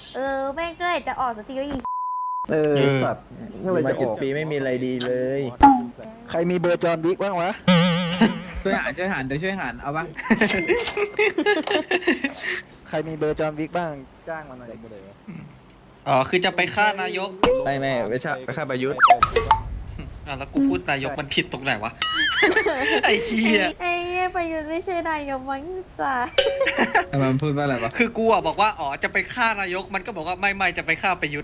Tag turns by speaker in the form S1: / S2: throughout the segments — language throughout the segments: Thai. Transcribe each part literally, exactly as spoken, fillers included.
S1: เออแม่งก็เลยจะออกสักทีก็ยิง
S2: เออสัตว์ก็เลย
S3: มา
S2: จะอ
S3: เจ็ด
S2: อก
S3: ปีไม่มีอะไรดีเลย
S2: ใครมีเบอร์จอห์นวิกบ้างวะ
S4: ช่วยหารช่วยหารเดี๋ยวช่วยหารเอาปะ
S2: ใครมีเบอร์จอห์นวิกบ้างจ้างมาหน่อย
S5: อ๋อคือจะไปฆ่านายก
S3: ไม่ไม่ไม่ใช่ไปฆ่าประยุทธ์
S5: อ่ะแล้วกูพูดนายกมันผิดตรงไหนวะ ไอ้เหี้ย
S1: ไอ้เหี้ยประยุทธ์ไม่ใช่นายกมั้งสา
S4: ทำไมมันพูดว่าอะไรวะ
S5: คือกูอ่ะบอกว่าอ๋อจะไปฆ่านายกมันก็บอกว่าไม่ไม่จะไปฆ่าประยุทธ์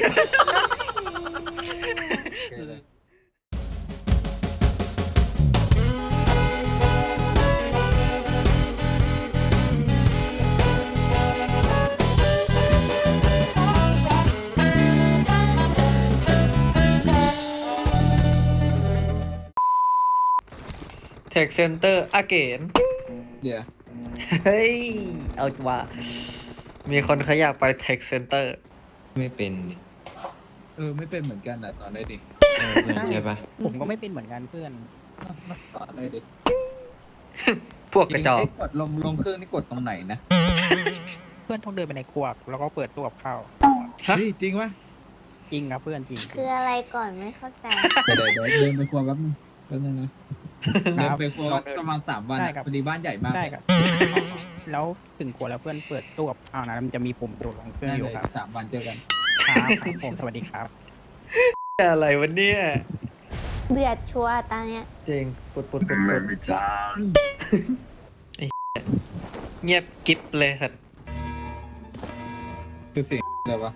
S5: เทคเซ็นเตอร์อาเกน
S4: เดี๋ยว
S5: เฮ้ย เอาว่า มีคนเขาอยากไปเทคเซ็นเตอร์
S6: ไม่เป็นดิ
S4: เออไม่เป็นเหมือนกันอ่ะตอนได้ดิ
S6: เออเพื่อนใช่ปะ
S7: ผมก็ไม่เป็นเหมือนกันเพื่อน
S4: ตอนได้ดิ
S5: พวกกระจอก
S4: ไอ้กดลงลงเครื่องนี่กดตรงไหนนะ
S7: เพื่อนต้องเดินไปในครัวแล้วก็เปิดตู้กับข้าว
S5: ฮะ
S4: เฮ้ยจริงปะ
S7: จริงครับเพื่อนจริง
S1: คืออะไรก่อนไม่เข้าใจ
S4: เดี๋ยวเดี๋ยวเดินไปครัวแป๊บนึงแป๊บนึงนะเดินไปครัวประมาณสามวัน
S7: ได้
S4: อะ
S7: ครับ
S4: พอดีบ้านใหญ่มาก
S7: ได้ครับ แล้วถึงครัวแล้วเพื่อนเปิดตู้กับข้าวนะมันจะมีปุ่มโดดลงเครื่อง
S4: ได้
S7: อยู่
S4: เลย
S7: ครับ
S4: สามวันเจอกัน
S7: ครับครับผมสวัสดีครับ
S5: อะไรวะเนี่ย
S1: เดือดชัวร์ตาเนี้ย
S5: จริงปุดปุดปุดปุดไอ้เงียบกิ๊บเลยสัตว์
S4: คือเสียงอะไรวะ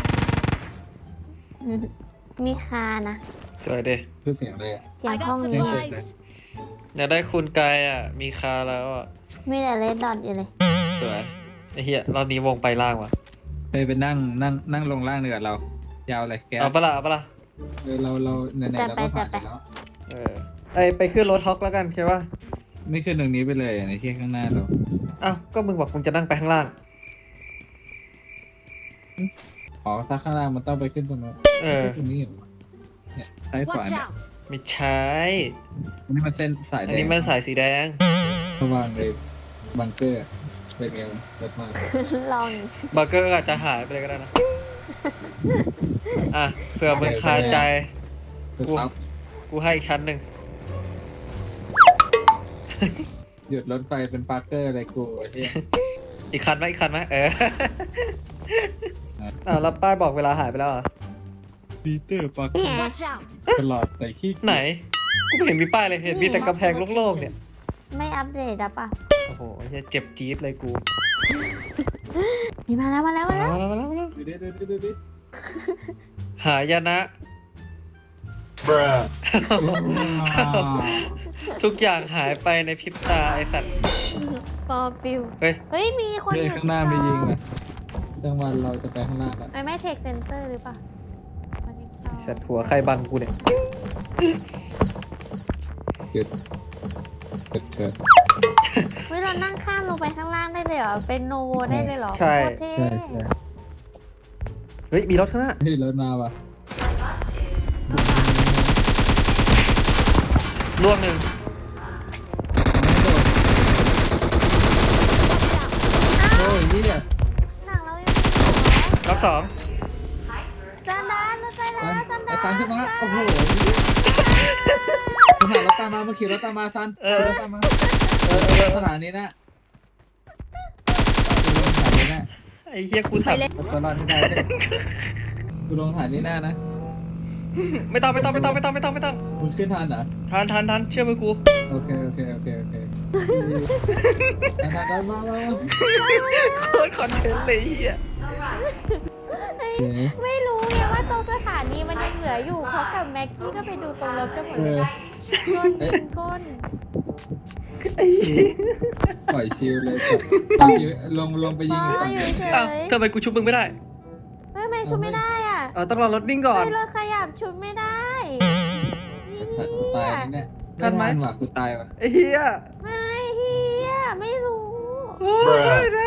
S1: อืมมีคานะ
S5: สวยดิ
S4: คือเสียงอะไรอะ
S1: เสียง
S8: I
S1: ห้อง
S8: got
S1: นี้
S8: supplies.
S5: อยากได้คุณกายอ่ะ มีคาแล้วอ่ะ
S1: มีแต่เลดดอทอยู่เลย
S5: สวย ไอ้เหี้ยรอบนี้วงไปล่างว่ะ
S4: ไปไปนั่งนั่งนั่งลงล่างเนือเรา ยาวเลยแก
S5: เอาปะล่ะเอาปะล่ะ
S4: เออเราเราไหนๆเราก็ผ่านไปแล้ว
S5: เออไอไปขึ้นรถฮอกแล้วกันใช่ปะ
S4: ไม่ขึ้นตรงนี้ไปเลยในที่ข้างหน้าเรา
S5: อ้าวก็มึงบอกมึงจะนั่งไปข้างล่าง
S4: อ๋อถ้าข้างล่างมันต้องไปขึ้นตรงนู้น
S5: เออ
S4: ไม่ใช่ตรงนี้เหรอเนี่ยซ้ายขวา
S8: Watch
S4: เนี่ย
S8: out.
S5: ไม่ใช่
S4: อันนี้มันเส้นสายแด
S5: อั
S4: ง
S5: นนี้มันสายสีแดง
S4: ระหว่างเลยบังเกอร์เป็นไงรถมา
S1: ลอง
S5: เบอร์เกอร์อาจจะหายไปเลยก็ได้นะ อ่ะเผื่อมึงคาใจ
S4: ครับ
S5: กูให้อีกชั้นหนึ่ง
S4: หยุดรถไฟเป็นปาร์เกอร์อะไรกูไอ้เหี้ย
S5: อีกคันไหมอีกคันไหมเออ อ้าวแล้วป้ายบอกเวลาหายไปแล้วเหรอ
S4: ปีเตอร์ปาร์เกอร์
S8: Watch out.
S4: ตลอดแต่ขี้
S5: ไหน กูไม่เห็นมีป้ายเลย เห็นมีแต่กำแพงโล่งๆเนี่ย
S1: ไม่อัปเดตอะปะ
S5: โอ้โหไอ้เหี้ยเจ็บจี๊ดเลยกู
S1: นี่มาแล้วมาแล้วมาแล้ว
S5: มาแล้วมาแล้วมาแล้ว
S4: ดูดิดูดิดูดิ
S5: หายนะ ทุกอย่างหายไปในพริบตาไอสัตว์
S1: ปอปิว
S5: เฮ้ย
S1: เฮ้ยมีคน
S4: เฮ้
S1: อย ยู่
S4: ข้างหน้าไม่ยิงนะจังหวะเราจะไปข้างหน้ากัน
S1: ไม่ไม่เทคเซ็นเตอร์หรือเปล่ามันยังชอบ
S5: สัตว์หัวใครบังกูเนี่ย
S4: หยุดเกิดเกิด
S1: เฮ้ยเรานั่งข้ามลงไปข้างล่างได้เลยเหรอ เป็นโนโวได้เลยเหรอ
S5: ใช่
S1: โคตรเท่
S4: ใช่ใช่
S5: เฮ้ย มีรถข้างหน้า
S4: เฮ้ยรถมาว่ะ
S5: ล่วงหนึ่ง
S4: โอ้ยเหี้ย
S1: หนังเรายังไม่จบเหรอ
S5: ล็อกสอง
S1: จันดานเราใจแล้วจัน
S4: ไอ้
S1: ดาน
S4: ตันขึ้นมาโอ้โหมึงหารถตามมาเมื่อกี้รถตามมาซันรถตามมาเออเออสถานีนะสถานีนะ
S5: ไอ้เหี้ยกูถาม
S4: เอาตัวรอดให้ได้เลยกูลงสถานีหน้านะ
S5: ไม่ต้องไม่ต้องไม่ต้องไม่ต้องไม่ต้องไม่ต้อง
S4: มึงขึ้นทันเหรอ
S5: ทันทันทันเชื่อมือกู
S4: โอเคโอเคโอเคโอเคทันทันมามา
S5: โคตรคอนเทนต์เลยไอ้เหี้ย
S1: เฮ้ยไม่รู้ไงว่าตรงสถานีมันยังเหลืออยู่เขากับแม็กกี้ก็ไปดูตรงรถกันหมด
S4: เอ
S1: เล
S4: อย
S1: โดนยิงก้น
S5: ไอ้เหี้ย
S4: ปล่อยชิลเลยลงลงไปยิง
S1: อ๋
S4: อีก
S1: อ
S4: ฝั่ง
S1: อยู่
S4: นึง
S1: เฉ
S5: อ้าวย ทำไมกูชุบมึงไม่ได้
S1: ไม่ไม่ชุบไม่ได้อ่ะ
S5: เออต้องรอรถนิ่งก่อน
S1: ไม่รถขยับชุบไม่ได้
S4: สัตว์กูตายแน่
S5: ทันไหม
S4: ว่ะกูตายว่ะ
S5: ไอ้เหี้ย
S1: ไม่เฮียไม่รู้
S5: โอ้ยนะ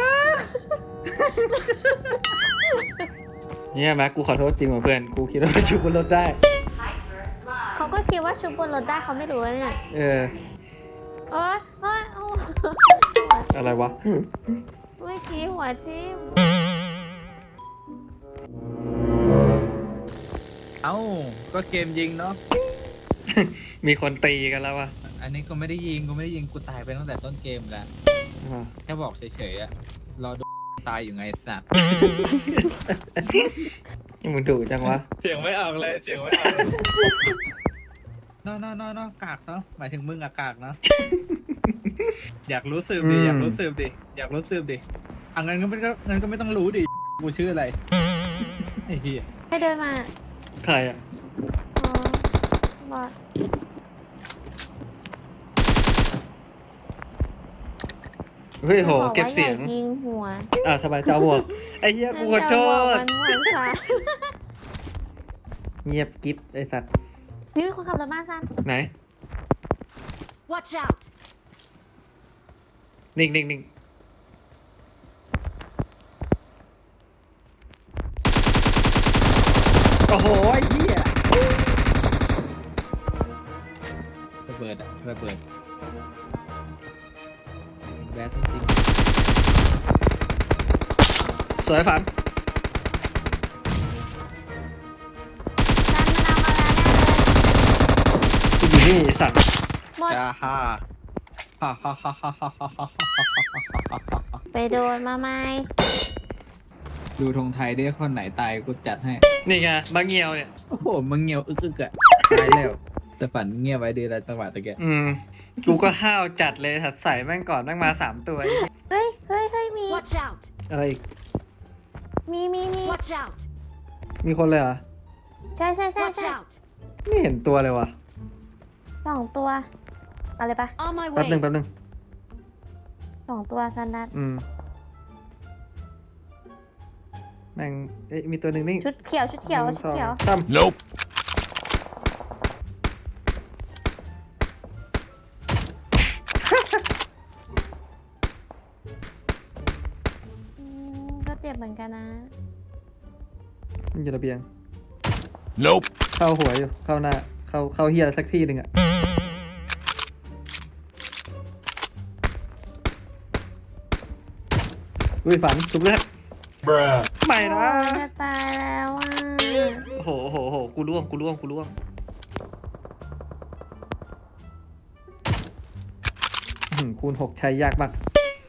S5: เนี่ยแม็กกูขอโทษจริงว่ะเพื่อน กูคิดว่าชุบบนรถได้
S1: เขาก็คิดว่าชุบบนรถได้เขาไม่รู้เลยเนี่ย
S5: เออ
S1: โอ๊ยโอ๊ยโอ๊ย
S5: อะไรวะ
S1: เมื่อกี้หัวทิ่ม
S4: เอ้าก็เกมยิงเนาะ
S5: มีคนตีกันแล้ววะ
S4: อันนี้กูไม่ได้ยิงกูไม่ได้ยิงกูตายไปตั้งแต่ต้นเกมแล้วแค่บอกเฉยๆอะรอดูตายอยู่ไงสัตว์
S5: นี่มึงดุจังวะ
S4: เสียงไม่ออกเลยเสียงไม่ออกนอนนอนนอกากเนาะหมายถึงมึงอะกากเนาะ อยากรู้สืบดิอยากรู้สืบดิอยากรู้สืบดิอ่ะงั้นก็ไม่ก็งั้นก็ไม่ต้องรู้ดิกูชื่ออะไรไอ้เหี้ย
S1: ให้เดินมา
S5: ใครอ่ะ
S1: อ๋อบอด
S5: เฮ้ยโห
S1: บอกว่า
S5: เก็บเสียง
S1: อายิงหัว
S5: อ่ะทำไมเจ้าบวกไอ้เหี้ยกูขอโทษ
S1: มันหัวซะ
S5: เงียบกิ๊บไอ้สัตว์
S1: นี่มีคนขับรถมาซัน
S5: ไหน
S8: Watch out!
S5: นิ่งนิ่งนิ่ง โอ้โหไอ้เหี้ย
S4: ระเบิดอะระเบิดแบดจริง
S5: สวยฝัน
S1: ซันมันเอามาแล้วแน่เลย
S5: กูอยู่นี่ไอ้สัตว์
S1: หมด
S4: จ้าฮ่าฮ่าฮ่าฮ่าฮ่าฮ่าฮ่าฮ่าฮ่า
S1: ไปโดนมาไหม
S4: ดูธงไทยได้คนไหนตายกูจัดให้
S5: นี่ไงบางเงียวเนี่ย
S4: โอ้โหมึงเงียวอึกอึกอะตายแล้วแต่ฝันเงียบไว้ดีแล้วจังหวะตะเกีย
S5: อืม กูก็ห้าวจัดเลยถัดใส่แม่งก่อนแม่งมาสามตัวไอ้เหี้ย
S1: เฮ้ยเฮ้ยเฮ้ยมี
S8: Watch out!
S5: อะไรอีก
S1: มีมีมี
S8: Watch out!
S5: มีคนเลยเหรอ
S1: ใช่ใช่ใช่
S8: Watch
S1: ใช่
S8: out!
S5: ไม่เห็นตัวเลยวะ
S1: สองตัวเอาเลยปะ
S8: On my
S5: แป๊บหนึ่ง
S8: way!
S5: แป๊บหนึ่ง
S1: สองตัวซันดัด
S5: อืม แม่ง เอ๊ะ มีตัวหนึ่งนี่
S1: ชุดเขียวชุดเขียว
S5: หนึ่ง
S1: ชุดเขียว
S5: สองสาม
S6: Nope
S1: อืมก็เจ็บเหมือนกันนะ
S5: มันอยู่ระเบียง
S6: Nope
S5: เข้าหัวอยู่ เข้าหน้า เข้า เข้าเฮียสักที่หนึ่งอะอุ้ยฝันถูกแล้วไม่นะ
S1: โอ้ยจะตายแล้วอ่ะ
S5: โอ้โหโอ้โหโอ้โห กูร่วง กูร่วง กูร่วงอื้อหือคูณหกใช้ยากมาก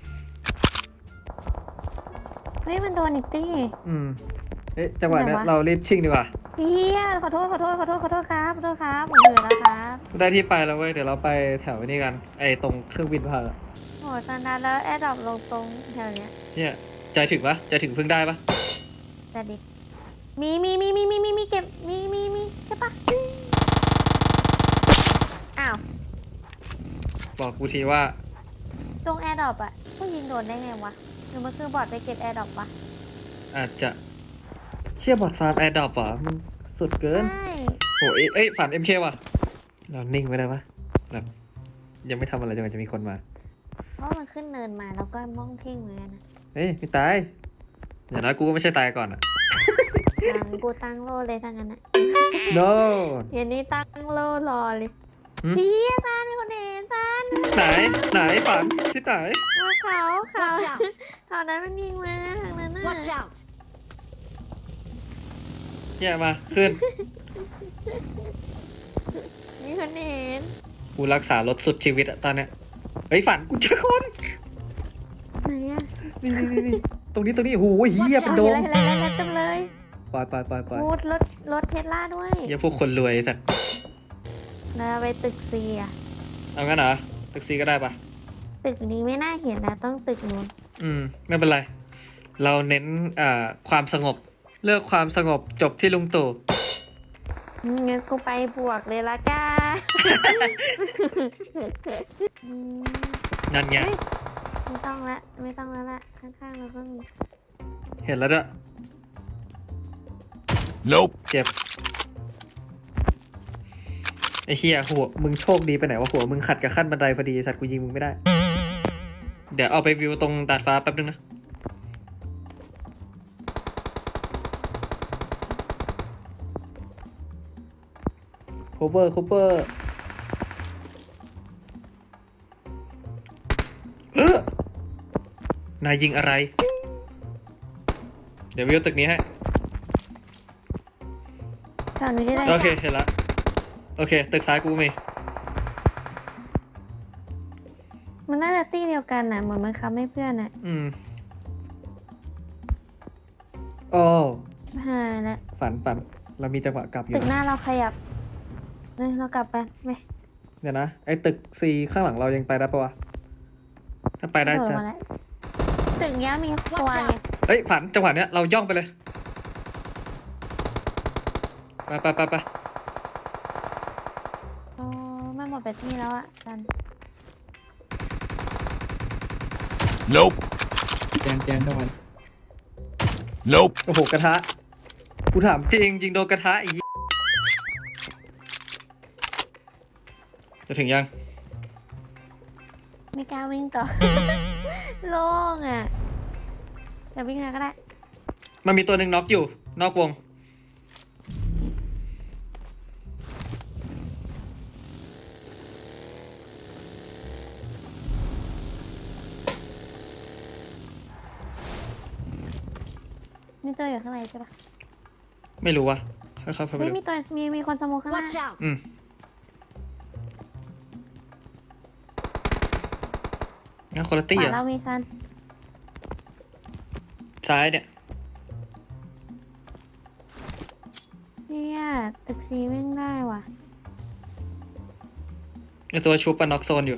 S1: เฮ้ยมันโดนอีกตี้
S5: อืม เอ๊ะ จังหวะเนี้ย
S1: ไหนวะ
S5: เรารีบชิ่งดีกว่า
S1: เฮียขอโทษขอโทษขอโทษขอโทษครับขอโทษครับผมเหนื่อยแล้วครับ
S5: ได้ที่ไปแล้วเว้ย เดี๋ยวเราไปแถวนี้กัน ไอ้ตรงเครื่องบินพาอะ
S1: โหซันดัดแล้วแอร์ดรอปลงตรงแถวเนี้ย
S5: เนี่ยใจถึงปะใจถึงเพิ่งได้ปะ
S1: แต่ดิมีมีมีมีมีมีมีเก็บมีมีมีใช่ปะอ้าว
S5: บอกกูทีว่า
S1: ตรงแอร์ดรอปอะผู้ยิงโดนได้ไงวะหรือมันคือบอดไปเก็บแอร์ดรอปวะ
S5: อาจจะเชี่ยบอดฟาร์มแอร์ดรอปเหรอมันสุดเกิน
S1: ใช่
S5: โอ้ยเอ้ยฝัน เอ็ม เค ว่ะ เรานิ่งไว้ได้ปะแบบยังไม่ทำอะไรจนกว่าจะมีคนมา
S1: เพราะมันขึ้นเนินมาแล้วก็มองเพ่งเหมือนกันนะ
S5: เฮ้ยไม่ตาย อย่างน้อยกูก็ไม่ใช่ตายก่อนอะ
S1: ตังกูตั้งโลเลยทั้งนั้นอะ
S5: no
S1: เดี๋ยวนี้ตั้งโลรอเลย
S5: หืม
S1: พี่ซานมีคนเห็นซาน
S5: ไหนไหนฝันที่ไหน
S1: ว่าเขาเขา
S8: Watch out!
S1: เขานั้นมันยิงมาทางนั้นน่ะ
S8: Watch out!
S5: แย่มาขึ้น
S1: มีคนเห็น
S5: กูรักษารถสุดชีวิตอะตอนเนี้ยเฮ้ยฝันกูเจอคน
S1: ไหนอะ
S5: นี่นี่นี่นี่ตรงนี้ตรงนี้โอ้โหเฮียเป็นโด
S1: เห็น
S5: ม
S1: อะไรเห็นอะไรเต็มเลย
S5: ปล่อยปล่อยปล่อยปล่อย
S1: พูดรถรถเทสลาด้วย
S5: เฮียพวกคนรวยสัตว์
S1: แล้วไปตึกซีอะ
S5: เอางั้นเหรอแท็กซี่ก็ได้ปะ
S1: ตึกนี้ไม่น่าเห็นนะต้องตึกนู้น
S5: อืม ไม่เป็นไร เราเน้นอ่าความสงบ เลือกความสงบจบที่ลุงตู่
S1: อืมงั้นกูไปบวกเลยละกัน อืม
S5: นั่นไง
S1: เฮ้ยไม่ต้องละไม่ต้องแล้วละข้างๆเราก็มี
S5: เห็นแล้วด้วย
S6: Nope
S5: เจ็บ ไอ้เฮียหัวมึงโชคดีไปไหนวะหัวมึงขัดกับขั้นบันไดพอดีสัตว์กูยิงมึงไม่ได้ เดี๋ยวเอาไปวิวตรงดาดฟ้าแป๊บนึงนะ โคเวอร์ โคเวอร์ เออนายยิงอะไร เดี๋ยววิวตึกนี้ให้
S1: ก่อนหนูจะได้
S5: โอเคเห็นละโอเค ตึกซ้ายกูมี
S1: มันน่าจะตี้เดียวกันน่ะเหมือนมันคับให้เพื่อนน่ะ
S5: อืมโอ้
S1: หายแล้ว
S5: ฝันฝันเรามีจังหวะกลับอยู่
S1: ตึกห
S5: นะ
S1: น้าเราขยับเนี่ยเรากลับไปไหม
S5: เดี๋ยวนะไอ้ตึกซีข้างหลังเรายังไปได้ปะวะถ้าไปได้
S1: โดด
S5: จะ
S1: มาแล้วตึกเนี้ยมีครัว
S8: Watch
S1: ไง
S8: out!
S5: เอ้ยฝันจังหวะเนี้ยเราย่องไปเลยไปไปไปไป
S1: โอ้ไม่หมดไปที่แล้วอ่ะจัน
S6: Nope
S4: แจมแจมตะวัน
S6: Nope
S5: โอ้โหกระทะกูถามจริงยิงโดนกระทะอีกจะถึงยัง
S1: ไม่กล้าวิ่งต่อ โล่งอ่ะเดี๋ยววิ่งแล้วก็ได้
S5: มันมีตัวหนึ่งน็อกอยู่ นอกวง
S1: มีตัวอยู่ข้างในใช่ปะ
S5: ไม่รู้วะค่อยๆเข้าไป
S1: เฮ้ย
S5: ดู
S1: มีตัวมีมีคนสโมกข้างหน้า
S8: Watch out!
S5: อืมงั้นคนละ
S1: ข
S5: ตี้
S1: วา
S5: เหร
S1: เรา
S5: อ
S1: มีซัน
S5: ซ้ายเนี่ย
S1: เนี่ยตึกซีวิ่งได้ว่ะ
S5: ไอตัวชุบปะน็อกโซนอยู่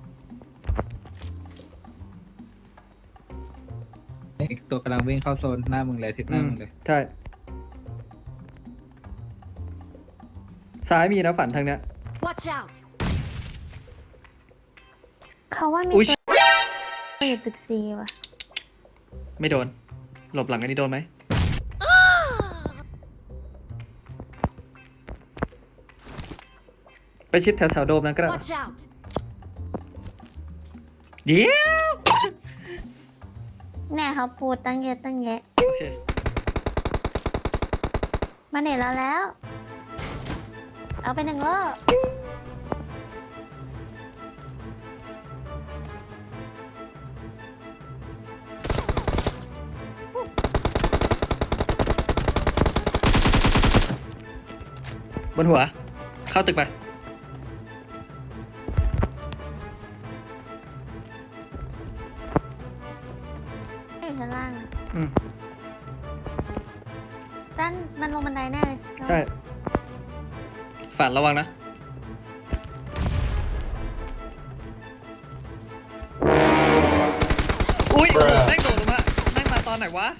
S4: อีกตัวกำลังวิ่งเข้าโซนหน้ามึงเลยทิศห
S5: อื
S4: น้าม มึงเลย
S5: ใช่ ซ้ายมีนะฝันทางเนี้ย
S8: Watch out!
S1: เขาว่ามี
S5: อุ๊ย
S1: ตัวอยู่ตึกซีว่ะ
S5: ไม่โดน หลบหลังอันนี้โดนไหม ไปชิดแถวๆโดมนั้นก็ได้
S8: Watch out!
S5: เดี๋ยว
S1: แน่เขาพูดตั้งเยอะตั้งแยะ
S5: โอเค
S1: มาเน็ตเราแล้ว เอาไปหนึ่งรอบ
S5: บนหัว เข้าตึกไป
S1: อยู่ชั้นล่างอะ
S5: อืม
S1: ด้านมันลงบันไดแน่เลย
S5: ใช่ ฝันระวังนะ อุ้ยโอ้โหแม่งโดดลงมาแม่งมาตอนไหนวะ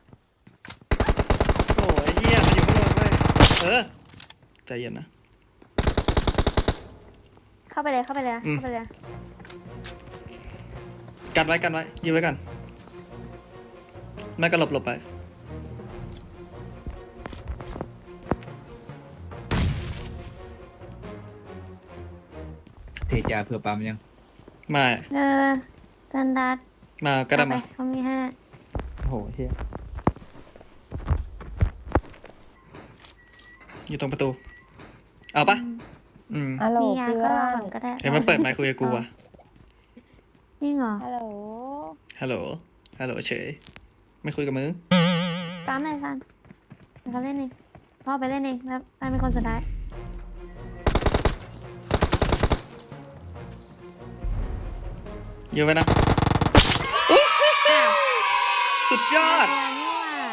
S5: โอ้ยเฮียมันอยู่ข้างบนเว้ยเออ ใจเย็นนะ
S1: เข้าไปเลยเข้าไปเลยนะ
S5: อืม
S1: เข้าไปเลย
S5: กันไว้กันไว้ยืนไว้กัน ไม่ก็หลบหลบไป
S4: เทยาเผื่อปั๊มยัง
S5: ไม่
S1: เออจันดัด
S5: มาก็ได้
S1: เข้าไป
S5: มา
S1: เขามีห้า
S5: โอ้โหเฮียอยู่ตรงประตู เอาปะอืม
S9: ฮัลโหล
S1: มียา
S9: เพื่
S1: ก็
S9: อ
S1: รอน ก่อนก็ได้
S5: เห็นมันเปิดไมค์คุยกับกูอะ
S1: จริงเหรอ
S9: ฮัลโหล
S5: ฮัลโหล ฮัลโหลเฉย ไม่คุยกับมึง
S1: ตามเลยซันเดี๋ยวเขาเล่นเองพ่อไปเล่นเองแล้วซันเป็นคนสุดท้าย
S5: อยู่ไว้นะ
S1: อ้าว
S5: สุดยอด
S1: เดียวนี่หว่า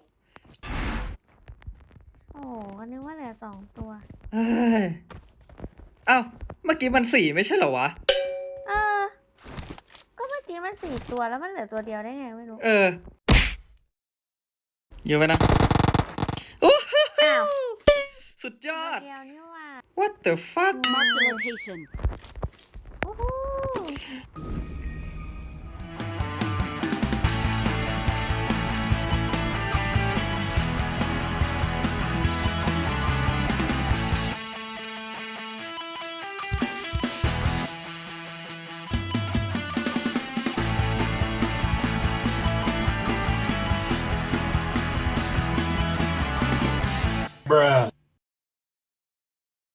S1: โอ้โหก็นึกว่าเหลือสองตัว
S5: เอ้ยเอ้า เมื่อกี้มันสี่ไม่ใช่เหรอวะ
S1: เออ ก็เมื่อกี้มันสี่ตัวแล้วมันเหลือตัวเดียวได้ไงไม่รู้
S5: เออ อยู่ไว้นะโอ้โห
S1: อ้าว
S5: สุดยอด
S1: เดียวนี่หว่า
S5: What the fuck
S8: Mark the location.
S1: โอ้โห
S6: Bruh